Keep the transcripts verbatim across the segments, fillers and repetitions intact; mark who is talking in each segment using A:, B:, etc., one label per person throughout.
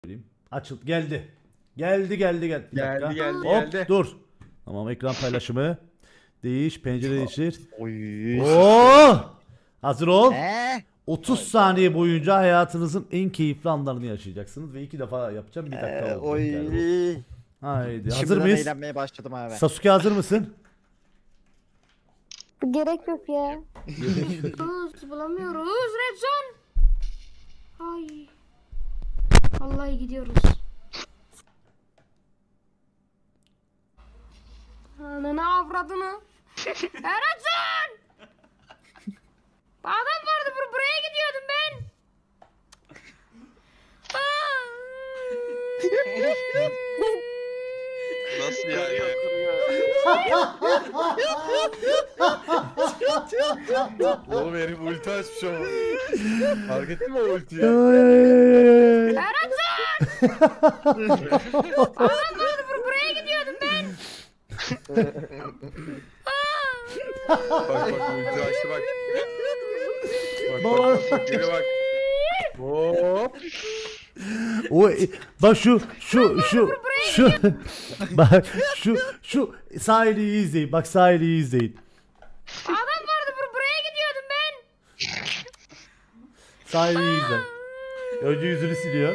A: söyleyeyim. Açıl geldi. Geldi geldi geldi. Bir
B: Geldi,
A: dakika.
B: geldi,
A: Hop,
B: geldi.
A: dur. Tamam, ekran paylaşımı. Değiş, pencere değiştir.
C: Oy.
A: Oo! Hazır ol.
C: Eee?
A: otuz saniye boyunca hayatınızın en keyifli anlarını yaşayacaksınız ve iki defa yapacağım. Bir dakika
C: Ee,
A: oldu.
C: oy.
A: Yani. Haydi. Hazır
C: Şimdiden
A: mıyız?
C: eğlenmeye başladım abi.
A: Sasuke hazır mısın?
D: Gerek yok ya. Bulamıyoruz, bulamıyoruz. Red zone. Ay. Vallahi gidiyoruz. Ananı avradını. Ya Red zone. Adam vardı bur buraya gidiyordum ben.
E: Nasıl yani?
B: Oğlum herif ulti açmış ama. Fark ettin mi o ultiyi?
D: Ya Red zone. Adam vardı bur buraya gidiyordum ben.
B: Bak bak ulti açtı bak. Bak
A: Baba.
B: bak bak geri bak. Hop.
A: O e, bak şu şu şu şu bak şu şu sahili iyi izleyin. Bak sahili iyi izleyin.
D: Adam vardı bur buraya gidiyordum ben.
A: Sahili iyi izle. Önce yüzünü siliyor.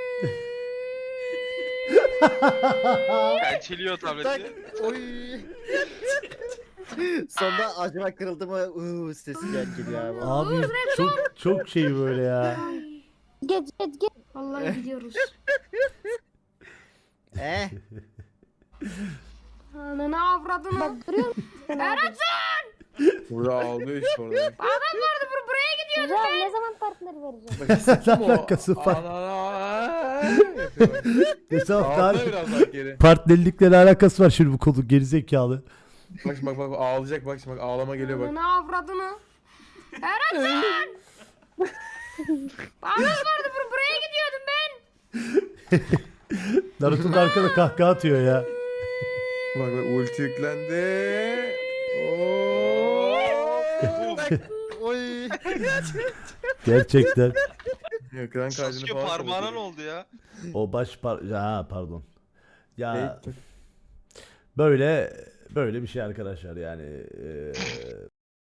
E: Pençeliyor
C: Tak.
E: tableti.
C: Oy. Sonunda acaba kırıldı mı? Uuu sesi gel geliyor abi.
A: Abi çok çok şey böyle ya.
D: Geç geç geç. Vallahi gidiyoruz.
C: Eh.
D: Ananı avradını. Bak duruyor musun? Red zone.
B: Burada aldı işte orada.
D: Adam vardı bur buraya gidiyordum ben. Ne zaman partner vereceğim?
B: Bak hissettin mi o?
A: Alakası var.
B: Ana. Yapıyor bak.
A: Mesela
B: Ağzına
A: par-
B: biraz daha geri.
A: partnerlikle ne alakası var şimdi bu konu gerizekalı.
B: Bak şimdi bak bak ağlayacak bak şimdi bak ağlama geliyor bak.
D: Ananı avradını. Red zone. Adam vardı bur buraya gidiyordum ben.
A: Naruto'nun arkada kahkaha atıyor ya.
B: Bak bak ulti yüklendi. Oo.
C: Oy.
A: Gerçekten.
B: Ekran kaydını
E: Sasuke
B: falan
E: parmağına
B: kapatıyor.
E: ne oldu ya?
A: O baş par ha pardon. Ya
B: Ne?
A: böyle böyle bir şey arkadaşlar yani. eee,